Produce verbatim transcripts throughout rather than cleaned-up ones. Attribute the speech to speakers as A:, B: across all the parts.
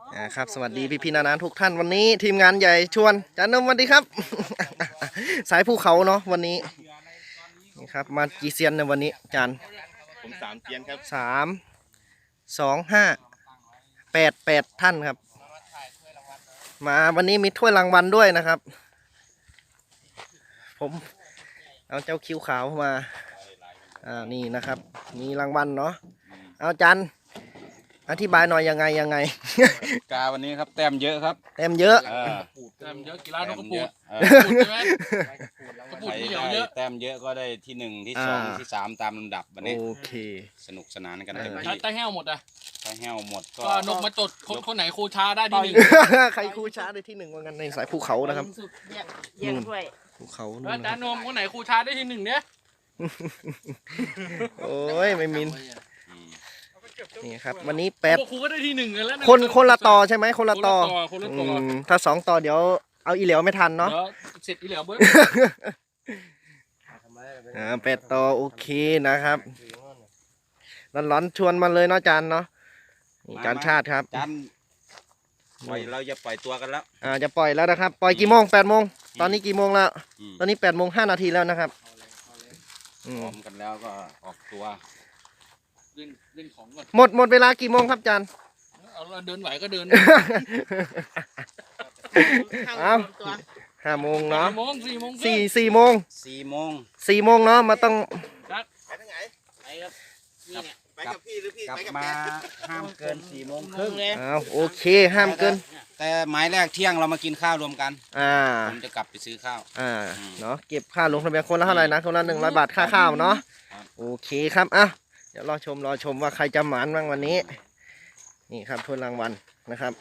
A: นะครับสวัสดีพี่พี่นานาทุกท่านวันนี้ทีมงานใหญ่ชวนจานนมสวัสดีครับ สายภูเขาเนาะวันนี้นี่ครับมากี่เซียนในวันนี้จาน
B: ผมสามเซียนครับ
A: สามสองห้าแปดแปดท่านครับมาวันนี้มีถ้วยรางวัลด้วยนะครับผมเอาเจ้าคิ้วขาวมาอ่านี่นะครับมีรางวัลเนาะเอาจานอธิบายหน่อยยังไงยังไง
B: กาวันนี้ครับแต้มเยอะครับ
A: เต็มเยอะ
C: แต้มเยอะกีฬานกกระปูดใช่ไหมกระปูด
B: ใคร
C: เหนียว
B: ได้
C: เยอะ
B: แต้มเยอะก็ได้ที่หนึ่งที่สองที่สามตามลำดับวันนี้
A: โอเค
B: สนุกสนานกัน
A: เออ
B: เต็ม
C: ถ้า
B: ที่
C: ใต้แห้วหมดอ่ะ
B: ถ้าแห้วหมดก็
C: ก็นกมาจดคนคนไหนครูช้าได้ที่หนึ่ง
A: ใครคู่ช้าได้ที่หนึ่งว่างั้นในสายภูเขานะครับ
D: แยกแยกถ้วย
A: ภูเขา
C: แล้ว
A: นู่น
C: จานนมคนไหนครูช้าได้ที่หนึ่งเนี่ย
A: โอ้ยไม่มิน
B: อืม
A: นี่ครับวันนี้แปด
C: ครูก็ได้ที่หนึ่งกันแล้ว
A: คนคนละต่อใช่ไหมคนละต่อ
C: คนละ
A: อื
C: ต่อ
A: มถ้าสองต่อเดี๋ยวเอาอีเหลียวไม่ทันเนาะ
C: เดี๋ยวเสร็จอีเหลียวเบิ้ล
A: อ่าแปดต่อโอเคนะครับร้อนๆชวนมาเลยเนาะจานเนาะนี่จานชาติครับ
B: จันปล่อยเราจะปล่อยตัวกันแล้ว
A: อ่าจะปล่อยแล้วนะครับปล่อยกี่โมงแปดโมงตอนนี้กี่โมงแล้ว
B: อืม
A: ตอนนี้แปดโมงห้านาทีแล้วนะครับอื
B: พ
A: ม
B: ร้อมกันแล้วก็ออกตัว
C: เล่นเล่นของก่อน
A: หมดหมดเวลากี่โมงครับจาน
C: เอาเราเดินไหวก็เดิน
A: เอา
D: ตัว
A: ห้าโมงเนาะ
C: สี่โมงสี่โมง
A: สี่สี่โมง
B: สี่โมง
A: สี่โมงเนาะมาต้อง
D: ไปครับนี่เนี่ย
B: ไปกับพี่หรือพี่กลับมาห้ามเกินสี่โมงค
D: ครึ่
B: รึ่
D: ง
B: ง
D: เลย
A: อ้าวโอเคห้ามเกิน
B: แต่หมายแรกเที่ยงเรามากินข้าวรวมกัน
A: อ่า
B: ผมจะกลับไปซื้อข้าว
A: อ่า
B: อืม
A: เนาะเก็บค่าลงทะเบียนคนละเท่าไหร่นะคนละหนึ่งร้อยบาทค่าข้าวเนาะ
B: ครับ
A: โอเคครับอ่ะเดี๋ยวรอชมรอชมว่าใครจะหมานบ้างวันนี้นี่ครับถ้วยรางวัลนะครับ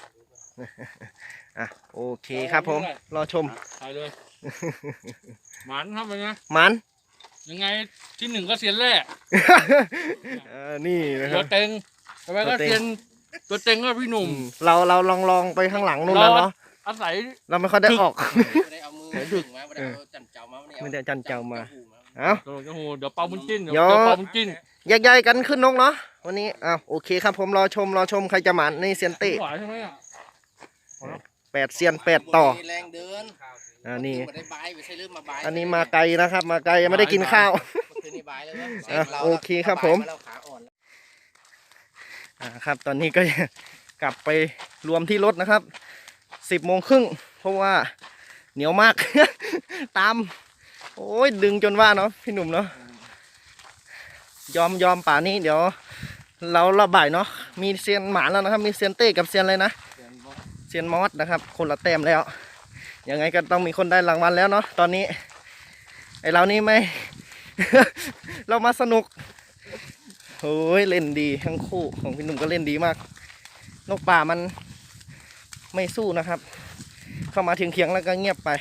A: อ่ะโอเคครับผมรอชม
C: ถ่ายเลยหมันครับเป็นไง
A: หมัน
C: ยังไงที่หนึ่งก็เซียนแร่
A: เออนี่นะค
C: ตั
A: รั
C: ว
A: บ
C: เต็งทำไมก็เซียนตัวเต็งก็พี่หนุ่ม
A: อืมเราเราลองลองไปข้างหลังนู่นแล้วเนาะ
C: อาศัย
A: เราไม่ค่อยได้ออก
D: ไม่ได้เอามือดึงมาไม่ได้เอาจันเจ้ามา
A: ไม่ได้เอาจันเจ้ามา เอ้า
C: โอ้โหเดี๋ยวเป่าบุญจิ้นเดี๋ยว
A: เดี๋ยว
C: เป่าบุญจิ้น
A: แยกย้ายกันขึ้นนกเนาะวันนี้อ้าวโอเคครับผมรอชมรอชมใครจะหมานในเซียนเต้
C: หวานใช่ไหมอ่ะ
A: แปดเซียนแปดต่อ
D: แรงเดิน
A: อ่านี่
D: ไม่ได้บายไม่ใช่ลืมมาบาย
A: อันนี้มาไกลนะครับ มาไกลยังไม่ได้กินข้าว
D: เมื่อคืนนี้บายแล้วนะ
A: อ่ะโอเคครับผม
D: เราขาอ่อน
A: อ่าครับตอนนี้ก็ กลับไปรวมที่รถนะครับสิบโมงครึ่งเพราะว่าเหนียวมาก ตาม โอ้ยดึงจนว่าเนาะพี่หนุ่มเนาะยอมยอมป่านี้เดี๋ยว เราระบายเนาะมีเซียนหมาแล้วนะครับ มีเซียนเต้กับเซียนอะไรนะเซียนมอสนะครับ คนละแต้มแล้วยังไงก็ต้องมีคนได้รางวัลแล้วเนาะตอนนี้ไอเรานี่ไม่ เรามาสนุกโอ้ยเล่นดีทั้งคู่ของพี่หนุ่มก็เล่นดีมาก นกป่ามันไม่สู้นะครับ เข้ามาถึงเคียงแล้วก็เงียบไป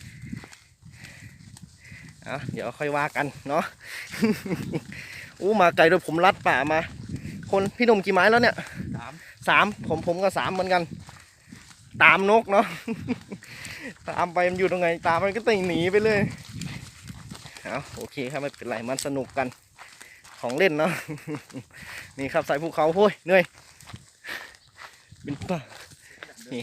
A: เอาเดี๋ยวค่อยว่ากันเนาะ อู้มาไกลโดยผมลัดป่ามา คนพี่หนุ่มกี่ไม้แล้วเนี่ยสามสามผมผมก็สามเหมือนกัน ตามนกเนาะ ตามไปมันอยู่ตรงไหนตามมันก็ตีหนีไปเลยเอาโอเคครับไม่เป็นไรมันสนุกกันของเล่นเนาะ นี่ครับสายภูเขาโว้ยเหนื่อยเป็นป่านี่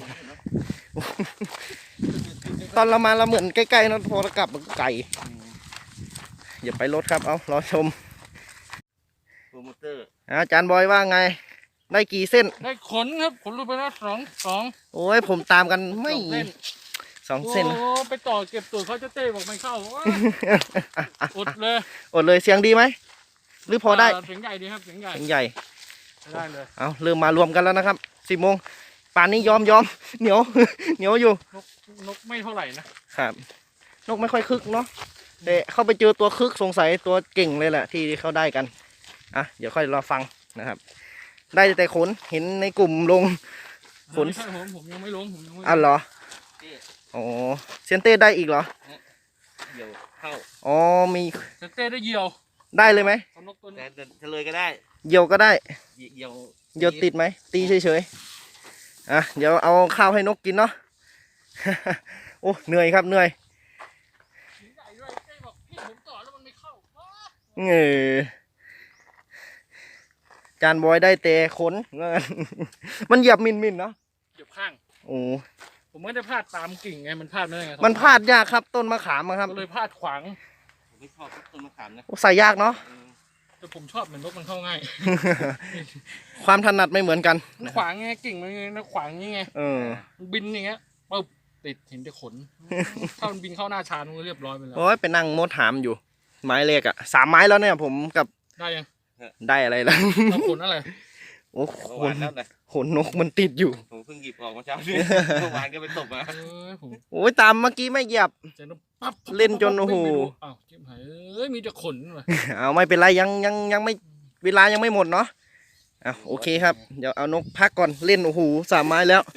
A: ตอนเรามาเราเหมือนใกล้ๆนะพอเรากลับมันก็ไกลอย่าไปรถครับเอารอชม
B: โปรโมเตอร์
A: อาจารย์บอยว่าไงได้กี่เส้น
C: ได้ขนครับขนรูปไปแล้วสองสอง
A: โอ้ยผมตามกันไม่
C: สองเส้น
A: สองเส้น
C: โอ้ไปต่อเก็บตูดเขาจะเต้บอกไม่เข้าอดเลย
A: อดเลยเสียงดีไหมหรือพอได้
C: เสียงใหญ่ดีครับเสียงใหญ่
A: เสียงใหญ่
C: ได้เลย
A: เอาเริ่มมารวมกันแล้วนะครับสิบโมงป่านนี้ยอมยอมเหนียว เหนียวอยู่
C: นกนกไม่เท่าไหร่นะครับ
A: นกไม่ค่อยคึกเนาะแต่เข้าไปเจอตัวคึกสงสัยตัวเก่งเลยแหละที่เขาได้กันอ่ะเดี๋ยวค่อยรอฟังนะครับ ได้แต่ขนเห็นในกลุ่มลงขน
C: ไม่ใช่ผมผมยังไม่ลงผมยังไม่ลง
A: อ่ะเหรออ๋อเซียนเต้ได้อีกเหรอ
B: เดี๋ยวเข้า
A: อ๋อมี
C: จะเต้ได้เหยี่ยว
A: ได้เลยไหม
C: เอานกตัว
B: แต่
C: นี้
B: เฉลยก็ได้
A: เหยี่ยวก็ได้
B: เดี๋ยว
A: เหยี่ยวติดไหมตีเฉยๆอ่ะเดี๋ยวเอาข้าวให้นกกินเนาะ โอ้เหนื่อยครับเหนื่อย
C: เสียงใหญ่ด้วยเต้บอกพี่ผมต่อแล้วมันไม่เข้าว้า
A: เออจานบอยได้แต่ขน มันเหยียบมินมินเนาะ
C: เหยียบข้าง
A: โอ้
C: ผมไม่ได้พลาดตามกิ่งไงมันพลาดไม่ได้ไง
A: มันพลาดยากครับต้นมะขามอะครับ
C: ก็เลยพลาดขวาง
B: ผมไม่ชอบต้นมะขามนะ
A: ใส่ยากเนาะ
C: แต่ผมชอบเหมือนนกมันเข้าง่าย
A: ความถนัดไม่เหมือนกัน
C: มันขวางไงกิ่งมันไงมันขวางอย่างไง
A: เออ
C: มันบินอย่างเงี้ยปึ๊บติดเห็นแต่ขน ถ้ามันบินเข้าหน้าชานมันก็เรียบร้อยไปแล้ว
A: โอ้ยไปนั่งมดหามอยู่ ไม้เล็กอะสามไม้แล้วเนี่ยผมกับ
C: ได้ยัง
A: ได้อะไรแล้ว
C: เอาขนอะไร
A: โอ้
B: เมื่อ
A: ข
B: วาน นแล้วเลย
A: ขนนกมันติดอยู่
B: ผมเพิ่งหยิบออกมาเช้านี้ เมื่อวานก็ไปตบมา
C: เอ้ยผม
A: โอ้ยตามเมื่อกี้ไม่เหยียบ
C: เจนปั๊บ
A: เล่นจนโอ้โห
C: วิ่งไปดูอ้าวจิ้มหายเอ้ยมีแต่ขนว่ะ
A: เอาไม่เป็นไรยังยังยังไม่เวลายังไม่หมดเนาะอ่ะโอเคครับเดี๋ยวเอานกพักก่อนเล่นโอ้โหสามไม้แล้ว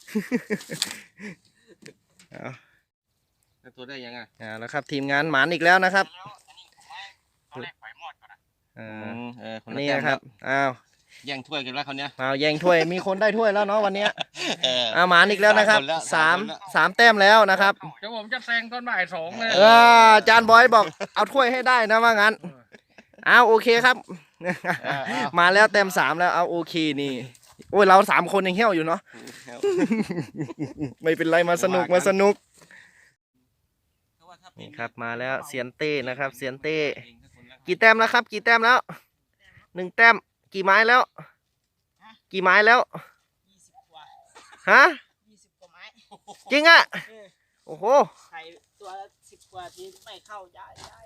A: เอา
B: แล้วตัวได้ยังไง
A: อ่าแล้วครับทีมงานหมานอีกแล้วนะครับ
C: ตอนแรกไฟมอดก่อนนะ
A: อ่
B: อื
A: าม
B: เออคนละ
A: นี่
B: แต้ม
A: นะครับอ้าว
B: แย่งถ้วยกันแล้วเขาวเนี้ย
A: เอาแย่งถ้วยมีคนได้ถ้วยแล้วเนาะวันเนี้ย
B: เออ
A: อาหมานอีกแล้วนะครับ
B: สา
A: สาม ม
B: คนแล้ว
A: สามแต้มแล้วนะครับ
C: เดี๋ยวผมจะแซงตอนบ่ายสองเลย
A: เออจานบอยบอกเอาถ้วยให้ได้นะว่างั้นเอาโอเคครับ
B: อ่าอ่า
A: มาแล้วแต้มสามแล้วเอาโอเคนี่โอ้ยเราสามคนยังเหี้ยวอยู่เนาะ ไม่เป็นไรมาสนุกมาสนุกนี่ครับมาแล้วเซียนเต้นะครับเซียนเต้กี่แต้มแล้วครับ กี่แต้มแล้วหนึ่งแต้มกี่ไม้แล้ว กี่ไม้แล้วฮะ
D: ยี่สิบกว่าไม้
A: จริงอ่ะโอ้โห
D: ไข่ตัวสิบกว่าทีไม่เข้าย้ายย้าย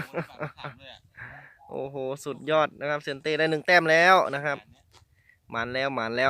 A: โอ้โหสุดยอดนะครับเซียนเต้ได้หนึ่งแต้มแล้วนะครับหมันแล้วหมันแล้ว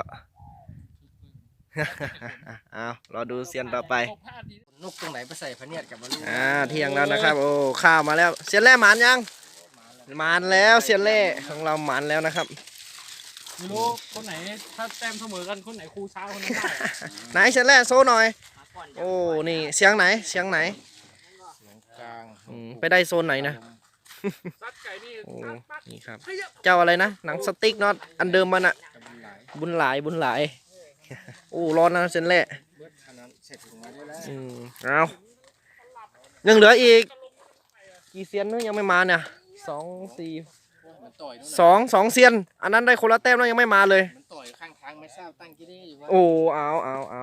A: เอารอดูเซียนต่อไป
D: นกตรงไหนไปใส่พะเนียดกับมัน
A: อ่าเที่ยงแล้วนะครับ โอ้ข้าวมาแล้วเซียนแร่หมานยังหมานแล้วเซียนแร่ของเราหมานแล้วนะครับ
C: ไม่รู้คนไหนถ้าแต้มเสมอกันคนไหนครูช้าคนนั้นได้
A: ไหนเซียนแร่โซ่หน่อยโอ้นี่เสียงไหนเสียงไหน
D: กลาง
A: อืมไปได้โซนไหนนะ
C: ซัดไก่นี่
A: โอ้
C: ซัดปั๊บ
A: นี่ครับ
C: เฮ้ย
A: เจ้าอะไรนะหนังสติ๊กเนาะอันเดิมมันอะบุญหลายบุญหลายโอ้ร้อนนะเซียนแร่
D: เบิดขนาดเสร็จถึงมาได้แล้ว
A: อืมเอายังเหลืออีกกี่เซียนนึงยังไม่มาเนี่ยสองสี่
D: มันต่อยนู่น
A: สองสองเซียน อันนั้นได้คนละแต้มแล้วยังไม่มาเลย
D: มันต่อยข้างทางไม่ทราบตั้งกี่ได้อยู่ว่า
A: โอ้เอาเอาเอา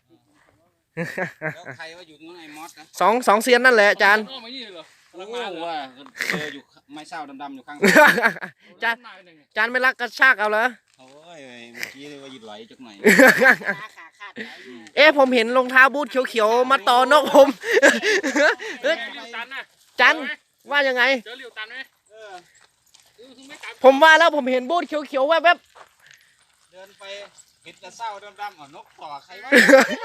B: แล้วใครว่าอยู่ตรงนั้นไอ้มอสนะ
A: สองสองเซียนนั่นแหละอาจารย์
C: อ้อไม่นี่เหรอ
B: โอ้ว่าเจออยู่ไม้เศร้าดำๆอยู่ข้าง
A: จาน
C: มาเป็นยังไง
A: อาจารย์ไม่รักกระชากเอาเหรอ
B: โอ้ยเมื่อกี้เลยว่าหยุดไหลจักหน่อย
D: ขาขาขาดไหนอยู่
A: เอ๊ะผมเห็นรองเท้าบูทเขียวๆมาต่อนกผม เอ้ย
C: เจอหลิวตันนะ
A: จันว่ายังไง
C: เจอหลิวตันไหม
B: เออ
C: เออคือไม่กลับ
A: ผมว่าแล้วผมเห็นบูทเขียวๆแวบ
B: เดินไปเห็นแต่เศร้าดำๆเอานกต่อใครวะ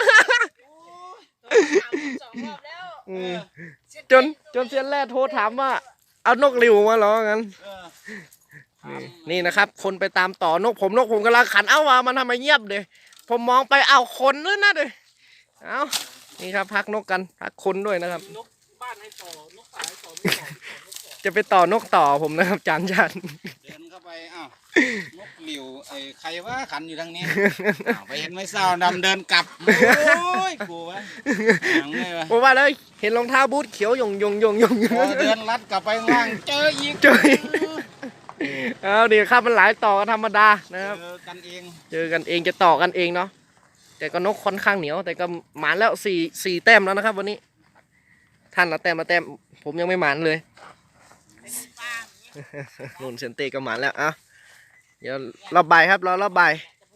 D: สองรอบแล้ว
A: ๆอืมจนจนเซียนแรกโทรถามว่า เอานกหลิวมาเหรองั้น
B: เออ
A: นี่นี่นะครับ คนไปตามต่อนกผมนกผมกำลังขันเอ้าว่ามันทำไมเงียบเดยผมมองไปเอาคนด้วยนะเดยเอานี่ครับพักนกกันพักคนด้วยนะครับ
C: นกบ้านให้ต่อนกสายต่อไม่ต่อ
A: จะไปต่อนกต่อผมนะครับจานจัน
B: เดินเข้าไปอ้าวนกหลิวไอ้ใครว่าขันอยู่ทางนี้อ้าวไปเห็นไม้เศร้าดำเดินกลับโอ้ยกูวะหางเลยวะ
A: ผมว่าเลยเห็นรองเท้าบูทเขียวหยงหยงหยงหยง
B: พอเดินลัดกลับไปข้างล่างเจออีก
A: เจออีก เอาเดี๋ยวครับมันหลายต่อกันธรรมดานะครับ
B: เจอกันเอง
A: เจอกันเองจะต่อกันเองเนาะแต่ก็นกค่อนข้างเหนียว แต่ก็หมานแล้วสี่สี่แต้มแล้วนะครับ วันนี้ ท่านละแต้มละแต้มผมยังไม่หมานเลยนุ่นเซนเต้ก็หมานแล้วอ่ะเดี๋ยวรอบบ่ายครับรอรอบบ่าย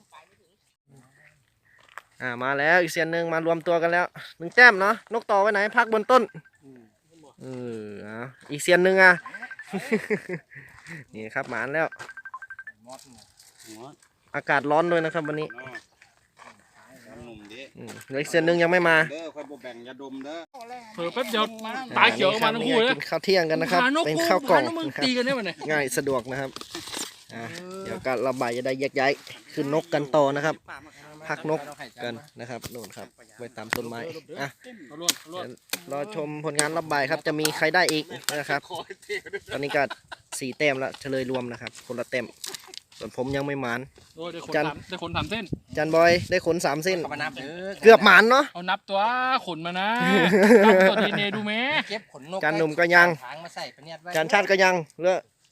A: อ่ามาแล้วอีกเซียนหนึ่งมารวมตัวกันแล้วหนึ่งแต้มเนาะนกต่อไว้ไหนพักบนต้นเอออ่ะอีกเซียนหนึ่งอ่ะ นี่ครับหมานแล้ว
B: มอสหัว
A: อากาศร้อนด้วยนะครับวันนี้
B: เนาะหนุ่มดิ
A: อืมเหลืออีกเซียนหนึ่งยังไม่มา
B: เด้อค่อยบ่แบ่งยาดมเด้อ
C: เผื่อแป๊บเดียวตาเขียวออกมาทั้งคู่เลย
A: กินข้าวเที่ยงกันนะครับ
C: หานก
A: เป็น
C: กู
A: ข้าวกล่อง
C: หานกมึง
A: นะครับ
C: ตีกันได้ไหมเนี่ย
A: ง่ายสะดวกนะครับอ่ะเดี๋ยวก็ระบายจะได้แยกย้ายขึ้นนกกันต่อนะครับ พักนกกันนะครับโน่นครับไว้ตามต้นไม้อ่ะ
C: เอาล้วนเอาล้วน
A: รอชมผลงานระบายครับจะมีใครได้อีกนะครับ ตอนนี้ก็สี่แต้มแล้วเฉลยรวมนะครับ คนละแต้มส่วนผมยังไม่หมาน
C: โอ้ยได้ขน
A: จัน
C: สามได้ขนสามเส้น
A: จันบอยได้ขนสามเส้น
D: เอามานับเด้อ
A: เกือบหมานเนาะ
C: เอานับตัวขนมานะนับตัวดีเนดูแม่
D: เก็บขนนก
A: จานหนุ่มก็ยัง
D: ทางมาใส่พะเนียดไว้
A: จานชาติก็ยังเหลือ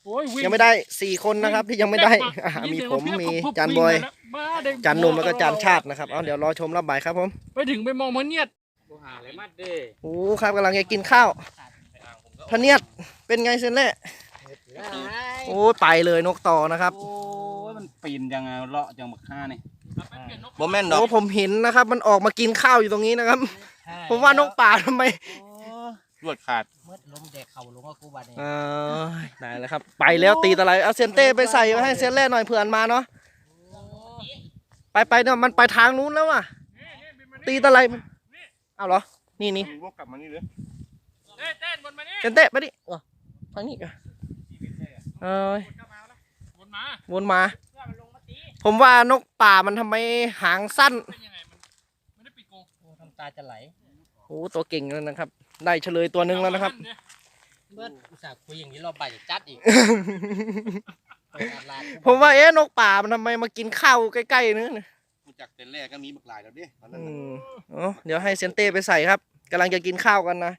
C: โอ้ยวิ่
A: ยังไม่ได้สี่คนนะครับที่ยังไม่ได้อ่ะมีผมมีจานบอย
C: บ้าเด็ก
A: จานหนุ่มแล้วก็จานชาตินะครับเอาเดี๋ยวรอชมรอบบ่ายครับผม
C: ไปถึงไปมองมันเนียด
B: กูหาอะไรมาเด้
A: โอ้ครับกำลังจะกินข้าวพะเนียดเป็นไงเซนเล่โอ้ไปเลยนกต่อนะครับ
B: โอ้ยมันปีนจังไงเลาะจังบักฆ่านี่
A: บอแม่นดอกผมเห็นนะครับ มันออกมากินข้าวอยู่ตรงนี้นะครับ ผมว่านกป่าทำไม
B: รวดขาด
D: เมื่อลมแดกเข่าลงก็กูบาดเนี่ย
A: เออได้แล้วครับ ไปแล้วตีตะไลเอาเซนเต้ไปใส่ไว้ให้เซนเล่หน่อยเผื่อนมาเนาะไปไปเนี่ยมันไปทางนู้นแล้วว่ะตีตะไลมันเอาเหรอนี่นี่
B: วกกลับมานี่เลย
C: เต้นเต้นวนมานี่
A: เซนเต้ไปดิอ๋อทางนี้กันเอ้ย
C: วนมา
A: วนมา ผมว่านกป่ามันทำไมหางสั้น
C: เป็นยังไงมันไม่ได้ปิดกรง
D: กูทำตาจะไหล
A: โอ้ตัวเก่งแล้วนะครับ ได้เฉลยตัวหนึ่งแล้วนะครับ
D: เมื่ออุตส่าห์คุยอย่างนี้รอบบ่ายจะจัดอีกเปิดตลาด
A: ผมว่าเอ๊ะนกป่ามันทำไมมากินข้าวใกล้ๆนึง
B: กูจักเต็นแรกก็มีบักหลายแล้วดิตอนนั้น
A: อื
B: น่ะ
A: มอ๋อเดี๋ยวให้เซนเต้ไปใส่ครับกำลังจะกินข้าวกันนะ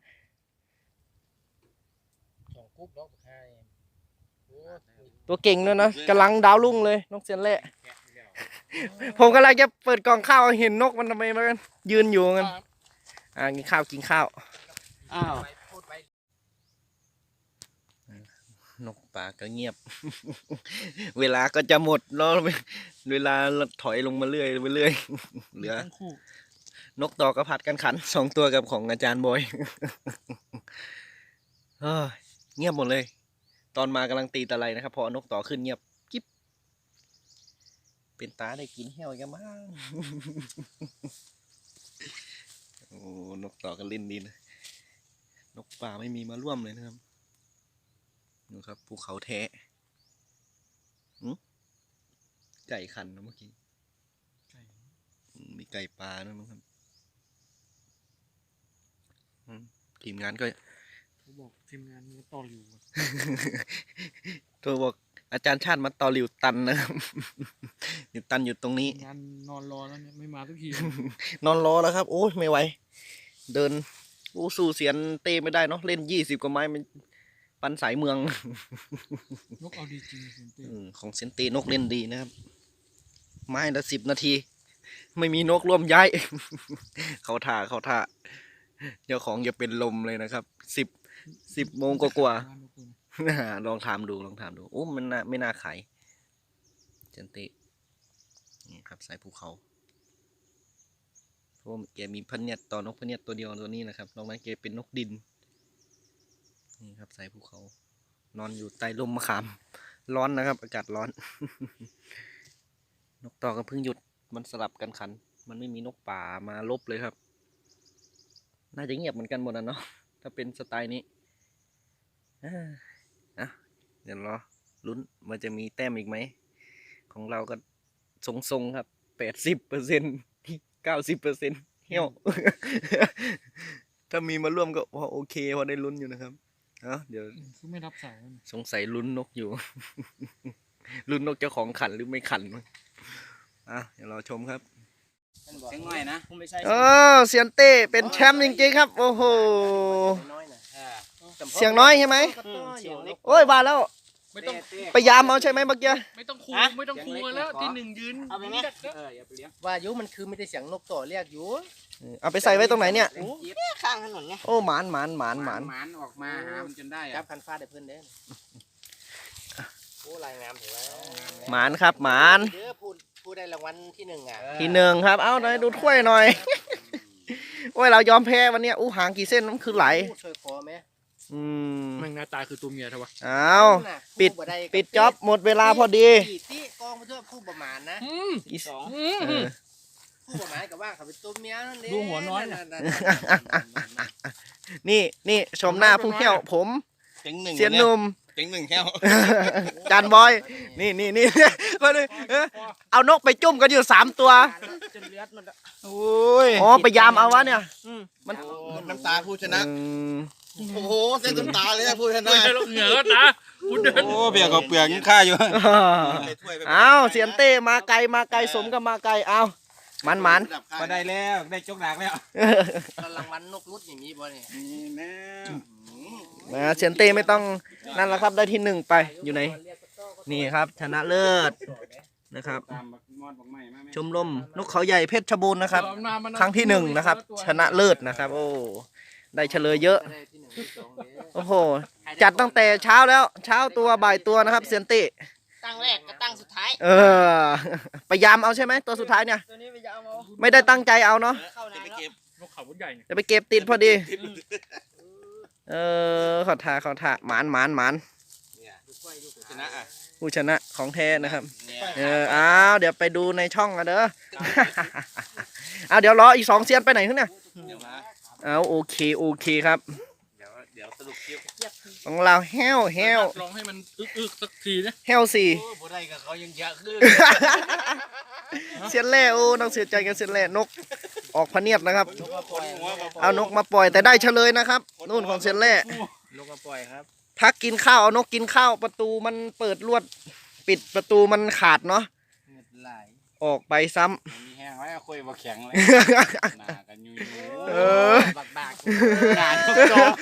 D: สองกุ๊บแล้วใช่โอ้
A: ตัวเก่งด้วยนะกำลังดาวรุ่งเลยนกเซนเล่ ผมกำลังจะเปิดกล่องข้าวเห็นนกมันทำไมมันยืนอยู่กันอ่ากินข้าวกินข้าว
B: อ้าว
D: ไปพูดไป
A: นกป่าก็เงียบ เวลาก็จะหมดแล้วเวลาถอยลงมาเรื่อยไปเรื่อยเหลือ
C: ทั้งคู่
A: นกต่อก็ผัดกันขันสองตัวกับของอาจารย์บอย เฮ้ยเงียบหมดเลย ตอนมากำลังตีตะไลนะครับพอนกต่อขึ้นเงียบกิ๊บเป็นตาได้กินแห้วกันมั้ง โอ้นกต่อก็เล่นดีนะนกป่าไม่มีมาร่วมเลยนะครับดูครับภูเขาแท้หึไก่ขันนะเมื่อกี้อืมมีไก่ปลาด้วยมั้งครับอืมทีมงานก็
C: เขาบอกทีมงานมันต่ออยู่
A: ตัวบอกอาจารย์ชาติมาต่อหลิวตันนะครับ หลิวตันอยู่ตรงนี้
C: งานนอนรอแล้วเนี่ยไม่มาทุกที
A: นอนรอแล้วครับ โอ้ยไม่ไหว เดินโอ้สู้เสียนเต้ไม่ได้เนาะเล่นยี่สิบกว่าไม้มันปันสายเมือง
C: นกเอาดีจริงเซนเต้
A: อืมของเซยนเต้นกเล่นดีนะครับ ไม้ละสิบนาที ไม่มีนกร่วมย้าย เขาท่าเขาท่าเจ้าของจะเป็นลมเลยนะครับสิบสิบโมงกว่าๆ ลองถามดูลองถามดูโอ้มันน่าไม่น่าขายเซยนเต้นี่ครับสายภูเขาเพราะว่าแกมีพะเนียดต่อนกพะเนียดตัวเดียวตัวนี้นะครับนอกนั้นแกเป็นนกดินนี่ครับสายภูเขา นอนอยู่ใต้ร่มมะขาม ร้อนนะครับ อากาศร้อน นกต่อก็เพิ่งหยุดมันสลับกันขัน มันไม่มีนกป่ามาลบเลยครับ น่าจะเงียบเหมือนกันหมดนะเนาะถ้าเป็นสไตล์นี้อ่าอ่ะเดี๋ยวรอลุ้นมันจะมีแต้มอีกไหม ของเราก็ทรงๆครับแปดสิบเปอร์เซ็นต์เก้าสิบเปอร์เซ็นต์เหี้ยว ถ้ามีมาร่วมก็พอโอเคพอได้ลุ้นอยู่นะครับเอ้าเดี๋ยว
C: คือไม่รับสายมัน
A: สงสัยลุ้นนกอยู่ ลุ้นนกเจ้าของขันหรือไม่ขันมั้งอ่ะเดี๋ยวเราชมครับ
B: เสียงง่อยนะ
D: ผมไม่ใช่
A: เออเซียนเต้เป็นแชมป์จริงๆครับ โอ้โห
D: น้อยนะ
B: อ่า
A: เสียงน้อยใช่ไหม
D: เสียงเล็ก
A: โอ้ยบาแล้ว
C: ไม่ต้อง
B: เต้
A: ไปยามเอาใช่ไหมเมื่อกี้
C: ไม่ต้องคูไม่ต้องคูแล้วที่หนึ่งยืน
D: เอาไปไหม
C: ยืนจัดแล้ว
B: เอออย่าไปเลี้ยง
D: ว่ายุมันคือไม่ได้เสียงนกต่อเรียกอยู่
A: เอาไปใส่ไว้ตรงไหนเนี่ย
B: เสียงจี๊ด
D: ข้างถนนไง
A: โอ้หมานหมานหมานหมาน
B: หมานออกมาหามันจนได้
D: จั
B: อะ
D: บคันฟ้าได้เพื่อนเด้อโอ้ลายงามถือว่า
A: หมานครับหมาน
D: เด้อพูดพูดได้รางวัลที่หนึ่งอ่ะ
A: ทีหนึ่งครับ เอาหน่อยดูถ้วยหน่อย โอ้ยเรายอมแพ้วันเนี้ยอู้หางกี่เส้นมันคือไหล
D: ช่วยคอไหม
A: อืม
C: แม่งหน้าตาคือตัวเมียเถอะวะ
A: เอา ปิด ปิดจ็อบหมดเวลาพอดี
D: ตีกองไปทั่วคู่ประมาณนะ
C: อืม
A: อีสอง
C: อืม
A: เออ
D: คู่ประมาณกับว่าเขาเป็นตัวเมียนั่นเอง
C: ดูหัวน้อยน่ะ
A: นี่นี่ชมหน้าผู้เที่ยวผม
B: เสียงหนึ่ง
A: เซียนหนุ่ม
B: เสียงหนึ่งแค่ว
A: จานบอย นี่นี่นี่ คนนึงเออเอานกไปจุ่มกันอยู่สามตัว
D: จนเลือดมัน
A: โอ้ยอ๋อไปยามเอาวะเนี่ย มัน
B: น้ำตาผู้ชนะ
A: อืม
B: โอ้โหเส้นน้ำตาเลยนะผู้ชนะ
C: ไม่ใช่หรอกเหงื่อก็นะคุณเดิน
B: โอ้เบียร์กับเปลือกยังค่าอยู่
A: เอาเสียนเต้มาไกลมาไกลสมกับมาไกลเอามันมัน
B: ก็ได้แล้วได้จกดากแล้ว
D: รางวัลนกรุดอย่างนี้บ่เนี่ย
B: นี่แน่
A: นะเซียนเต้ไม่ต้องนั่นแล้วครับได้ที่หนึ่งไปอยู่ไหนนี่ครับชนะเลิศนะครับ
B: ตามบักมอดบักไม้มาแม่
A: ชมรมนกเขาใหญ่เพชรบูรณ์นะครับ
C: เอามามา
A: ครั้งที่หนึ่งนะครับ ชนะเลิศนะครับ โอ้ได้เฉลยเยอะโอ้โหจัดตั้งแต่เช้าแล้วเช้าตัวบ่ายตัวนะครับเซียนเต้
D: ตั้งแรกกับตั้งสุดท้าย
A: เออพยายามเอาใช่ไหมตัวสุดท้ายเนี่ย
D: ตัวนี้ไปจะเอามา
A: ไม่ได้ตั้งใจเอาเนาะ
D: เข้านานแล้ว
C: นกเขาบุญใหญ่เนี่ย
A: จะไปเก็บติดพอดี เออขอทาขอทาหมานหมานหมาน
B: ชนะอ่ะ
A: ผู้ชนะของแท้นะครับ
B: เนี่ย
A: เอออ้าวเดี๋ยวไปดูในช่องกันเด้อ เอาเดี๋ยวรออีกสองเซียนไปไหนขึ้นเนี่ย
B: เดี๋ยวมา
A: เอาโอเคโอเคครับ
B: เดี๋ยวเดี๋ยวสรุปคลิป
A: ของเราแฮวแฮว
C: ลองให้มันอึกๆสักทีนะ
A: แฮวสี่
B: โอ้บ่ได้กับเขายังเยอะขึ้น
A: เซียนแร่โอ้ต้องเสียใจกันเซียนแร่นกออกพะเนียดนะครับ
B: คนหัวมา
A: เอานกมาปล่อยแต่ได้เฉลยนะครับนู่นของเซียนแร่
B: ลูกมาปล่อยครับ
A: พักกินข้าวเอานกกินข้าวประตูมันเปิดลวด ปิดประตูมันขาดเนาะ
B: เงินไหล
A: ออกไปซ้ำ
B: มีแห้งไว้เอาคุยบ่แข็งเลยหนากันอยู่
A: เออ
D: บักบาก
B: หนาทุกจอ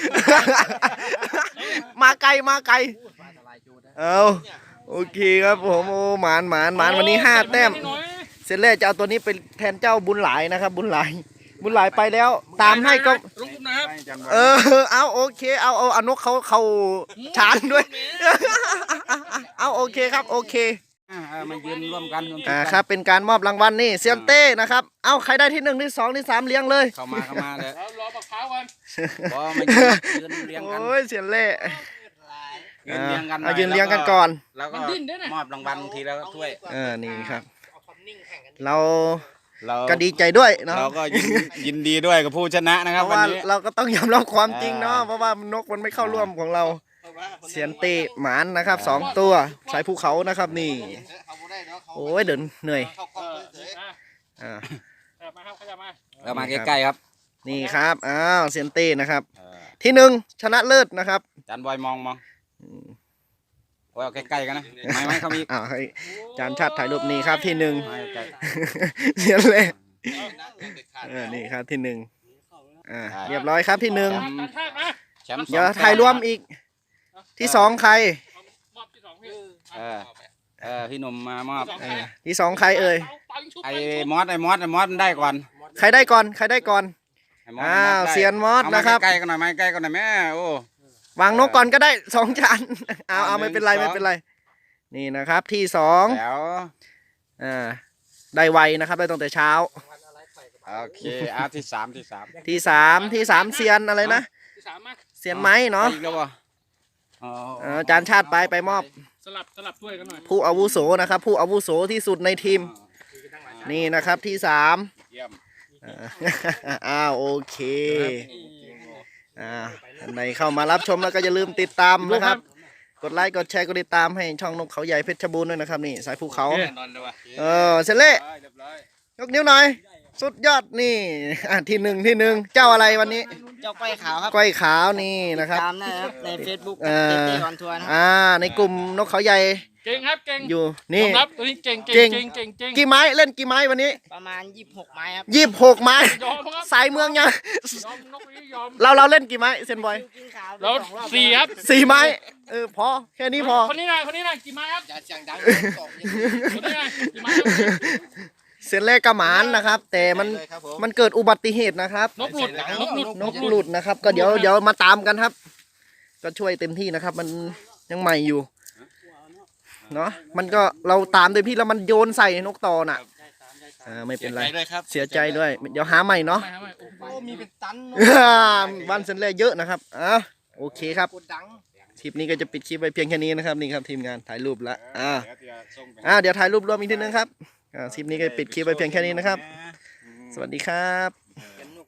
A: มาไกลมาไกล
D: อันตรายจูดนะ
A: เอาโอเคครับผมโอ้หมานหมานหมานวันนี้ห้าแต้ม เสร็จแล้วจะเอาตัวนี้ไปแทนเจ้าบุญหลายนะครับ บุญหลาย บุญหลายไปแล้ว ตามให้ก็
C: ลงทุนนะครับ
B: ให้จันทร์
A: เออ เอาโอเค เอาเอาเอานกเขาเขาชานด้วย เอาโอเคครับ โอเค
B: อ่ามายืนร่วมกันวม
A: อ่าครับ เป็นการมอบรางวัลนี่เซียนเต้นะครับ เอาใครได้ที่หนึ่งที่สองที่สามเลี้ยงเลย
B: เข้ามาเข้ามาเลย
C: แล้วรอบักพร้าวกัน
B: พอมายืนยืนเรียงกัน
A: โอ้ยเซียนเล่
B: ยืนเรียงกันหน่
A: เอา
B: อย
A: ยืนเลี้ยงกันก่อน
B: แล้วก็
C: มันดิ้นด้วยนะ
B: มอบรางวัลทีแล้วถ้วย
A: เออ นี่ครับ
D: เอาความนิ่งแข่งกัน
A: เรา
B: เรา
A: ก็ดีใจด้วยเนาะ
B: เราก็ยินยินดีด้วยกับผู้ชนะนะค
A: เพ
B: รับ
A: ราะ
B: วัน
A: ว่า
B: นี้
A: เราก็ต้องยอมรับความจริงเนาะ
B: อ่า
A: เพราะว่านกมันไม่เข้าร่วมของเรา เสียนเตะหมานนะครับสองตัวสายภูเขานะครับนี่ โอ้ยเดินเหนื่อย
C: เอออ่ะ
A: อ่า
C: ขยับมาครับขยับมา
B: เรามาใกล้ๆครับ
A: นี่ครับอ้าวเสียนเต้นะครับ
B: เออ
A: ที่หนึ่งชนะเลิศนะครับ
B: จานบอยมองมองโอ้ยเอาใกล้ๆกันนะไม่ไม่เขามี
A: อ้าวให้จานชาติถ่ายรูปนี่ครับที่หนึ่ง
B: ไม่ใกล้
A: เสียนเล่เออนี่ครับที่หนึ่งอ่าเรียบร้อยครับที่หนึ่ง
C: ตัดชาติมา
B: แชมป์สอง
A: เดี๋ยวถ่ายรวมอีกที่สองใคร
C: เอามอบที่สองพี่
B: เออเออพี่หนุ่มมามอบ
A: เออที่สองใครเอ่ย
C: ปังชุบ
B: ไอ้
C: ปังชุบ
B: มอสไอ้มอสไอ้มอสมันได้ก่อน
A: ใครได้ก่อนใครได้ก่อน
B: ไอ้มอส
A: อ้าว
B: ได้
A: เซียนมอส
B: เอา
A: นะครับ
B: ใกล้ๆกันหน่อยไหมใกล้กันหน่อยแม่โอ้
A: วางนกก่อนก็ได้สองจานเอาเอา
B: อ่า
A: ไม่เป็นไร
B: หนึ่
A: ไม่
B: งสอง
A: เป็นไร นี่นะครับที่สอง
B: แล้ว
A: อ่าได้ไวนะครับได้ตั้งแต่เช้า
B: โอเคอาที่สามที่สาม
A: ที่สามที่สามเซียนอะไรนะ
C: ที่สามมา
A: เซียนไม้เนาะ
B: ไปอีกแล้วบ่อ๋อ
A: เออจานชาติไปไปมอบ
C: สลับสลับด้วยกันหน่อย
A: ผู้อาวุโสนะครับ ผู้อาวุโสที่สุดในทีมนี่นะครับที่สาม
B: เยี่ยม
A: อ่า อ้าวโอเคอ่าท่านใดเข้ามารับชมแล้วก็อย่าลืมติดตามนะครับ กดไลค์กดแชร์กดติดตามให้ช่องนกเขาใหญ่เพชรบูรณ์ด้วยนะครับนี่สายภูเขา
B: แน่นอนเลยว่ะ
A: เออเสร็จเละ
B: เรียบร้อย
A: ยกนิ้วหน่อย สุดยอดนี่อ่ะที่หนึ่งที่หนึ่งเจ้าอะไรวันนี้
D: เจ้าก้อยขาวครับ
A: ก้อยขาวนี่นะครับ
D: ตามนะครับใน Facebook
A: เอ
D: เต้
A: อ
D: เต้ออนทัวร์นะครับ
A: อ่าในกลุ่มนกเขาใหญ่
C: เก่งครับเก่ง
A: อยู่
C: ย
A: นี่
C: อมรับตัวนี้เก่ง
A: เก่
C: เก่
A: ง
C: งเก่งเก่งเก่ง
A: กี่ไม้เล่นกี่ไม้วันนี้
D: ประมาณยี่สิบหกไม้ครับ
A: ยี่สิบหกไม้
C: ยอมครับ
A: สายเมืองยัง
C: ยอมนกนี้ยอม
A: เราเราเล่นกี่ไม้เซนบอย
D: กินขาวไป
C: แล้ว
D: สองรอบ
C: สี่ครับ
A: สี่ไม้เออพอแค่นี้พอ
C: คนนี้หน่อยคนนี้หน่อยกี่ไม้ครับ
D: อย่าเสียงดังสอง
C: คนนี้หน่อยกี่ไม้ครับ
A: เซนแรกกระหมานนะครับ แต่มันมันเกิดอุบัติเหตุนะครับ
C: นกหลุดนกหลุด
A: นกหลุดนะครับ ก็เดี๋ยวเดี๋ยวมาตามกันครับ ก็ช่วยเต็มที่นะครับ มันยังใหม่อยู่เนาะมันก็เราตามเต็มที่แล้วมันโยนใส่นกต่อน่ะอ่าไม่เป็นไร
B: ด้วยครับ
A: เสียใจด้วย เดี๋ยวหาใหม่เนาะ
C: ไม่ครับไม่โอ้โห
D: โอ้มีเป็นตัน
A: วันเซนแรกเยอะนะครับอ่าโอเคครับ
D: กดดัง
A: คลิปนี้ก็จะปิดคลิปไปเพียงแค่นี้นะครับนี่ครับทีมงานถ่ายรูปละอ่า
B: เดี๋ยวจะส่งไป
A: อ่าเดี๋ยวถ่ายรูปรวมอีกทีนึงครับอ่าคลิปนี้ก็ปิดคลิปไปเพียงแค่นี้นะครับ สวัสดีครับ